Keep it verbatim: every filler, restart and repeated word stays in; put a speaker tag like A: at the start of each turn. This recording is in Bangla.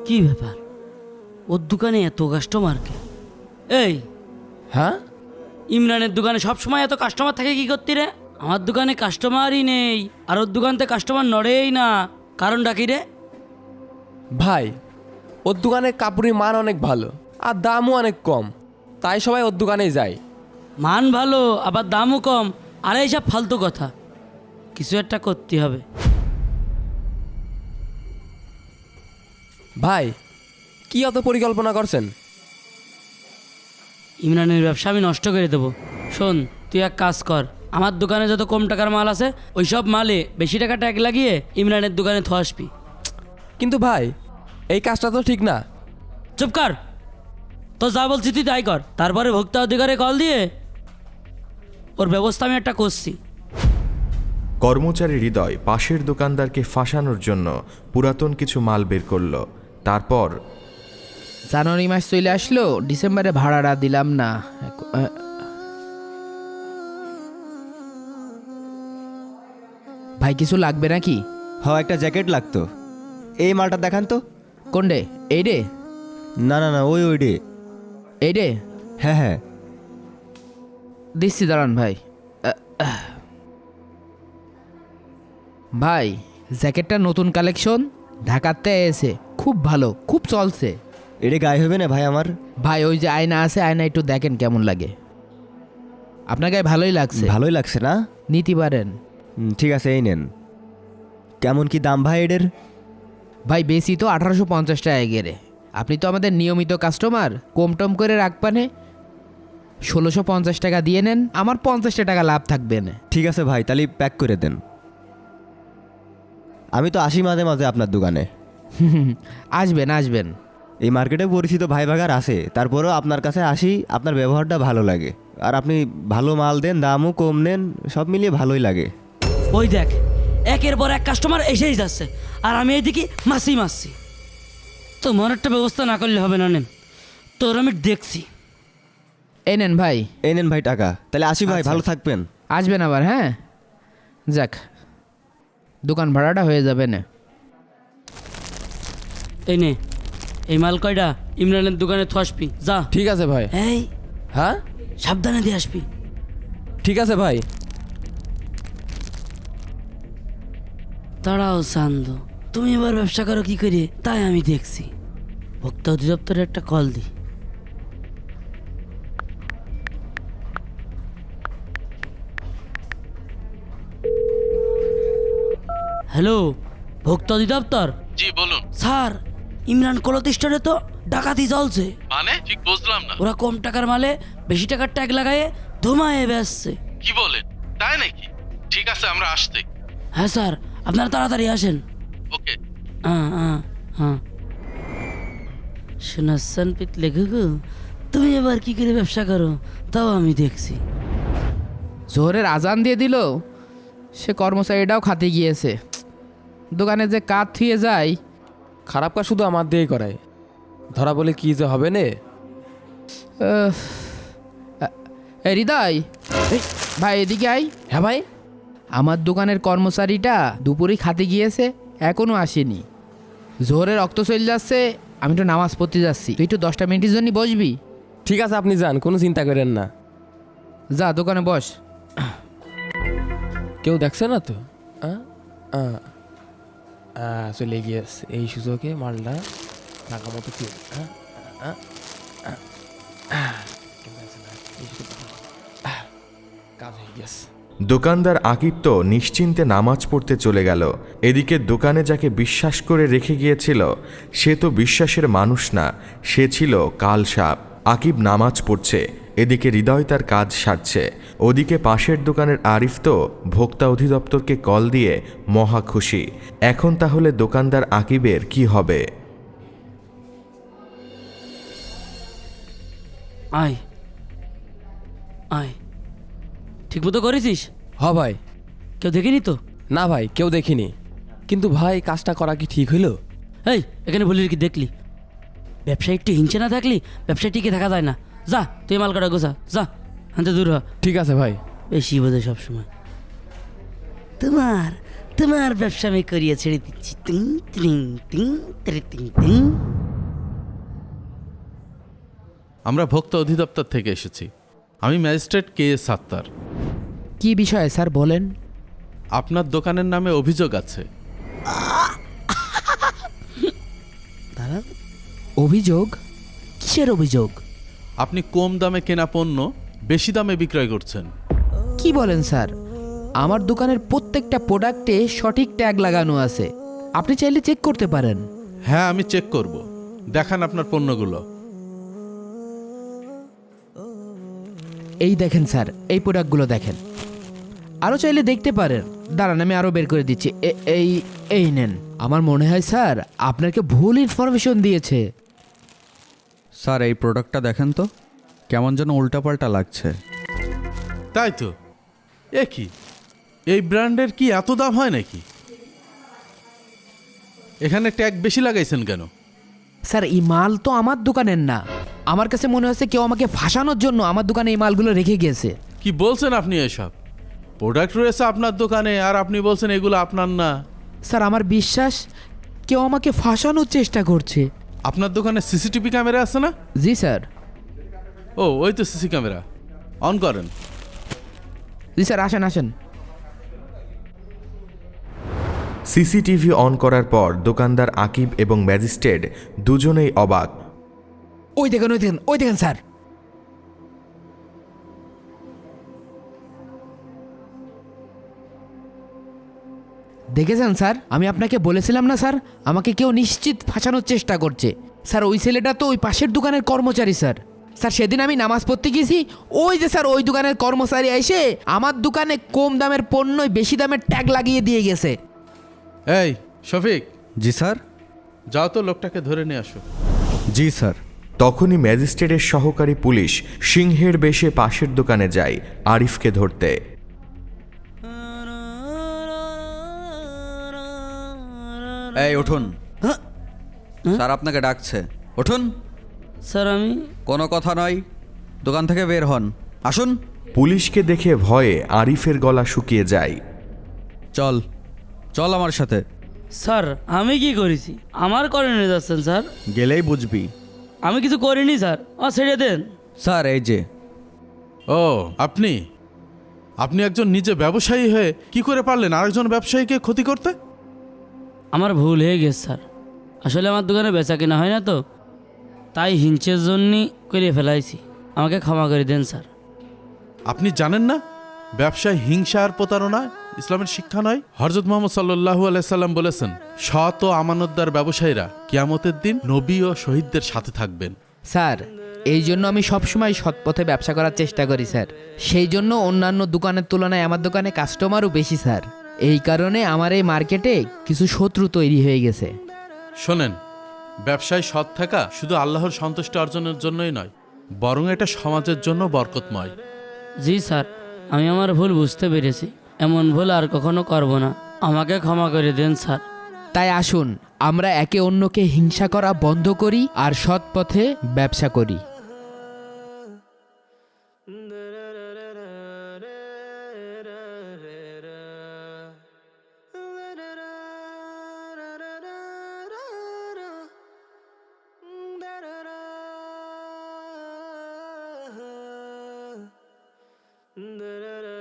A: কি ব্যাপার, ওর দোকানে এত কাস্টমারকে? এই
B: হ্যাঁ,
A: ইমরানের দোকানে সবসময় এত কাস্টমার থাকে কি করতি রে? আমার দোকানে কাস্টমারই নেই, আর ওর দোকানতে কাস্টমার নড়েই না। কারণটা কি রে?
B: ভাই ওর দোকানে কাপড়ের মান অনেক ভালো আর দামও অনেক কম, তাই সবাই ওর দোকানেই যায়।
A: মান ভালো আবার দামও কম, আর এইসব ফালতু কথা। কিছু একটা করতে হবে।
B: ভাই কি অত পরিকল্পনা করছেন?
A: ইমরানের ব্যবসা আমি নষ্ট করে দেবো। শোন, তুই এক কাজ কর, আমার দোকানে যত কম টাকার মাল আছে ওই সব মালে বেশি টাকা ট্যাগ লাগিয়ে ইমরানের দোকানে থো আসবি।
B: কিন্তু ভাই এই কাজটা তো ঠিক না।
A: চুপ কর, তো যা বলছি তুই তাই কর। তারপরে ভোক্তা অধিকারে কল দিয়ে ওর ব্যবস্থা আমি একটা করছি।
C: কর্মচারী হৃদয় পাশের দোকানদারকে ফাঁসানোর জন্য পুরাতন কিছু মাল বের করলো। তারপর
D: জানুয়ারি মাস চলে আসলো, ডিসেম্বরে ভাড়াটা দিলাম না। আহ, ভাই কিছু লাগবে নাকি?
E: হ, একটা জ্যাকেট লাগতো। এই মালটা দেখান তো।
D: কোন ডে? এই ডে?
E: না না না, ওই ওই ডে।
D: এই ডে?
E: হ্যাঁ হ্যাঁ।
D: দিচ্ছি, দাঁড়ান ভাই। আহ, আহ। ভাই জ্যাকেটটা নতুন কালেকশন, ঢাকাতে এসে খুব ভালো, খুব চলছে।
E: এটা গায়ে হবে না ভাই আমার?
D: ভাই ওই যে আয়না আছে, আয়না একটু দেখেন কেমন লাগে। আপনার গায়ে ভালোই লাগছে,
E: ভালোই লাগছে না?
D: নিতে পারেন।
E: হুম, ঠিক আছে, এই নেন। কেমন কি দাম ভাই এদের?
D: ভাই বেশি তো আঠারোশো পঞ্চাশ টাকা গেরে। আপনি তো আমাদের নিয়মিত কাস্টমার, কম টম করে রাখবানে ষোলোশো পঞ্চাশ টাকা দিয়ে নেন, আমার পঞ্চাশটা টাকা লাভ থাকবে না।
E: ঠিক আছে ভাই, তাহলে প্যাক করে দেন। আমি তো আসি মাঝে মাঝে আপনার দোকানে।
D: আসবেন আসবেন।
E: এই মার্কেটে পরিচিত ভাই ভাগার আছে, তারপরেও আপনার কাছে আসি, আপনার ব্যবহারটা ভালো লাগে। আর আপনি ভালো মাল দেন, দামও কম নেন, সব মিলিয়ে ভালোই লাগে।
A: ওই দেখ, একের পর এক কাস্টমার এসেই যাচ্ছে, আর আমি এইদিকে মাসি মাসি। তোমার একটা ব্যবস্থা না করলে হবে না। নেন, তোর আমি দেখছি।
D: এই নেন ভাই।
E: এই নেন ভাই টাকা, তাহলে আসি ভাই, ভালো থাকবেন।
D: আসবেন আবার, হ্যাঁ। যাক, দোকান ভাড়াটা হয়ে যাবে না।
A: এই নে, এই মাল কয়টা ইমরানের দোকানে থো আসবি, যা।
B: ঠিক আছে ভাই।
A: এই
B: হ্যাঁ
A: সাবধানে দিয়ে আসবি।
B: ঠিক আছে ভাই।
A: তাড়াও চান্দ, তুমি এবার ব্যবসা করো কি করে তাই আমি দেখছি। ভোক্তা অধিদপ্তরে একটা কল দি। হ্যালো, ভোক্তা অধিদপ্তর?
F: জি বলুন।
A: স্যার, ইমরান কলতিষ্ঠানে তো ডাকাতি চলছে।
F: মানে ঠিক বুঝলাম না।
A: ওরা কম টাকার মালে বেশি টাকার ট্যাগ লাগায়ে ধোমায়ে বেচছে।
F: কি বলেন, তাই নাকি? ঠিক আছে, আমরা আসতে।
A: হ্যাঁ স্যার, আপনারা তাড়াতাড়ি আসেন।
F: ওকে।
A: হ্যাঁ হ্যাঁ হ্যাঁ। শোনাচ্ছেন পিতলে ঘুঘু, তুমি এবার কি করে ব্যবসা করো তাও আমি দেখছি।
D: জোহরের আজান দিয়ে দিল, সে কর্মচারীটাও খাতে গিয়েছে। দোকানে যে কাজ থুয়ে যায়।
B: খারাপ কাজ শুধু আমার দিয়েই করায়, ধরা বলে কি যে হবে নে।
D: আহ, এই হৃদয়, এই, ভাই এদিকে আই।
B: হ্যাঁ ভাই।
D: আমার দোকানের কর্মচারীটা দুপুরেই খাতে গিয়েছে, এখনো আসেনি। জোহরের রক্ত চলে যাচ্ছে, আমি তো নামাজ পড়তে যাচ্ছি, তুই একটু দশটা মিনিটের জন্য বসবি?
B: ঠিক আছে, আপনি যান, কোনো চিন্তা করেন না।
D: যা দোকানে বস।
B: কেউ দেখছে না তো? আ? আ। আ, চলে গিয়েছে। এই সুযোগে মালটা টাকা মতো কি কাজ হয়ে গেছে।
C: দোকানদার আকিব তো নিশ্চিন্তে নামাজ পড়তে চলে গেল। এদিকে দোকানে যাকে বিশ্বাস করে রেখে গিয়েছিল সে তো বিশ্বাসের মানুষ না, সে ছিল কালসাপ। আকিব নামাজ পড়ছে, এদিকে হৃদয় তার কাজ সারছে। ওদিকে পাশের দোকানের আরিফ তো ভোক্তা অধিদপ্তরকে কল দিয়ে মহা খুশি। এখন তাহলে দোকানদার আকিবের কি হবে?
A: আয় আয়, ঠিক মতো করেছিস?
B: হ ভাই।
A: কেউ দেখেনি তো?
B: না ভাই, কেউ দেখিনি। কিন্তু ভাই কাজটা করা কি ঠিক হইল?
A: এই এখানে বলি কি দেখলি? ব্যবসায়ী একটু হিংসে না থাকলি ব্যবসায় টিকে থাকা যায় না। যা তুই মাল কাটা গোছা, যা হাতে দূর হ।
B: ঠিক আছে ভাই।
A: বেশি বোঝে সবসময়। তোমার তোমার ব্যবসা আমি করিয়ে ছেড়ে দিচ্ছি। টিং টিং টিং টিং টিং টিং।
F: আমরা ভোক্তা অধিদপ্তর থেকে এসেছি। আমি ম্যাজিস্ট্রেট কে এস সাত্তার।
D: কি বিষয়ে স্যার বলেন?
F: আপনার দোকানের নামে অভিযোগ আছে।
D: অভিযোগ? কিসের অভিযোগ?
F: আপনি কম দামে কেনা পণ্য বেশি দামে বিক্রয় করছেন।
D: কি বলেন স্যার? আমার দোকানের প্রত্যেকটা প্রোডাক্টে সঠিক ট্যাগ লাগানো আছে, আপনি চাইলে চেক করতে পারেন।
F: হ্যাঁ, আমি চেক করব। দেখান আপনার পণ্যগুলো।
D: এই দেখেন স্যার, এই প্রোডাক্টগুলো দেখেন। আরও চাইলে দেখতে পারেন। দাঁড়ান, আমি আরও বের করে দিচ্ছি। এ- এই এই নেন। আমার মনে হয় স্যার আপনাকে ভুল ইনফরমেশন দিয়েছে।
G: স্যার এই প্রোডাক্টটা দেখেন তো, কেমন যেন উল্টাপাল্টা লাগছে।
F: তাই তো। এ কি, এই ব্র্যান্ডের কি এত দাম হয় নাকি? এখানে ট্যাগ বেশি লাগাইছেন কেন?
D: স্যার এই মাল তো আমার দোকানের না। আমার কাছে মনে হচ্ছে কেউ আমাকে ফাঁসানোর জন্য আমার দোকানে এই মালগুলো রেখে গিয়েছে।
F: কি বলছেন আপনি এসব? প্রোডাক্ট রয়েছে আপনার দোকানে আর আপনি বলছেন এগুলো আপনার না।
D: স্যার আমার বিশ্বাস কেউ আমাকে ফাঁসানোর চেষ্টা করছে।
F: আপনার দোকানে সিসিটিভি ক্যামেরা আছে না?
D: জি স্যার।
F: ও, ওই তো সিসি ক্যামেরা। অন করেন।
D: জি স্যার, আসেন আসেন।
C: সিসিটিভি অন করার পর দোকানদার আকিব এবং ম্যাজিস্ট্রেট দুজনেই অবাক।
D: ওই দেখেন ওই দেখেন ওই দেখেন স্যার। দেখেছেন স্যার, আমি আপনাকে বলেছিলাম না স্যার, আমাকে কেউ নিশ্চিত ফাঁসানোর চেষ্টা করছে। স্যার ওই ছেলেটা তো ওই পাশের দোকানের কর্মচারী স্যার। স্যার সেদিন আমি নামাজ পড়তে গেছি, ওই যে স্যার ওই দোকানের কর্মচারী এসে আমার দোকানে কম দামের পণ্যই বেশি দামের ট্যাগ লাগিয়ে দিয়ে গেছে।
F: এই শফিক,
G: জি স্যার।
F: যাও তো লোকটাকে ধরে নিয়ে আসো।
G: জি স্যার।
C: তখনই ম্যাজিস্ট্রেটের সহকারী পুলিশ সিংহের বেশে পাশের দোকানে যায় আরিফকে ধরতে।
G: এই উঠুন, স্যার আপনাকে ডাকছে, উঠুন।
A: স্যার আমি
G: কোনো কথা নয়, দোকান থেকে বের হন, আসুন।
C: পুলিশকে দেখে ভয়ে আরিফের গলা শুকিয়ে যায়।
G: চল চল আমার সাথে।
A: স্যার আমি কি করেছি? আমার করে নিয়ে যাচ্ছেন স্যার?
G: গেলেই বুঝবি।
A: আমি কিছু করিনি স্যার, ও ছেড়ে দেন।
G: স্যার এই যে।
F: ও, আপনি আপনি একজন নিজে ব্যবসায়ী হয়ে কি করে পারলেন আরেকজন ব্যবসায়ীকে ক্ষতি করতে?
A: আমার ভুল হয়ে গেছে স্যার। আসলে আমার দোকানে বেচা কেনা হয় না তো, তাই হিংসের জন্যই করে ফেলাইছি। আমাকে ক্ষমা করে দেন স্যার।
F: আপনি জানেন না ব্যবসায় হিংসা আর প্রতারণা ইসলামের শিক্ষা নয়? হযরত মুহাম্মদ সাল্লাল্লাহু আলাইহি সাল্লাম বলেছেন, সৎ ও আমানতদার ব্যবসায়ীরা কিয়ামতের দিন নবী ও শহীদদের সাথে থাকবেন।
D: স্যার এই জন্য আমি সবসময় সৎ পথে ব্যবসা করার চেষ্টা করি স্যার। সেই জন্য অন্যান্য দোকানের তুলনায় আমার দোকানে কাস্টমারও বেশি স্যার। এই কারণে আমার এই মার্কেটে কিছু শত্রু তৈরি হয়ে গেছে।
F: শোনেন, ব্যবসায় সৎ থাকা শুধু আল্লাহর সন্তুষ্টি অর্জনের জন্যই নয়, বরং এটা সমাজের জন্য বরকতময়।
A: জি স্যার, আমি আমার ভুল বুঝতে পেরেছি। এমন ভুল আর কখনো করব না। আমাকে ক্ষমা করে দেন স্যার।
D: তাই আসুন আমরা একে অন্যকে হিংসা করা বন্ধ করি আর সৎ পথে ব্যবসা করি।
H: Da da da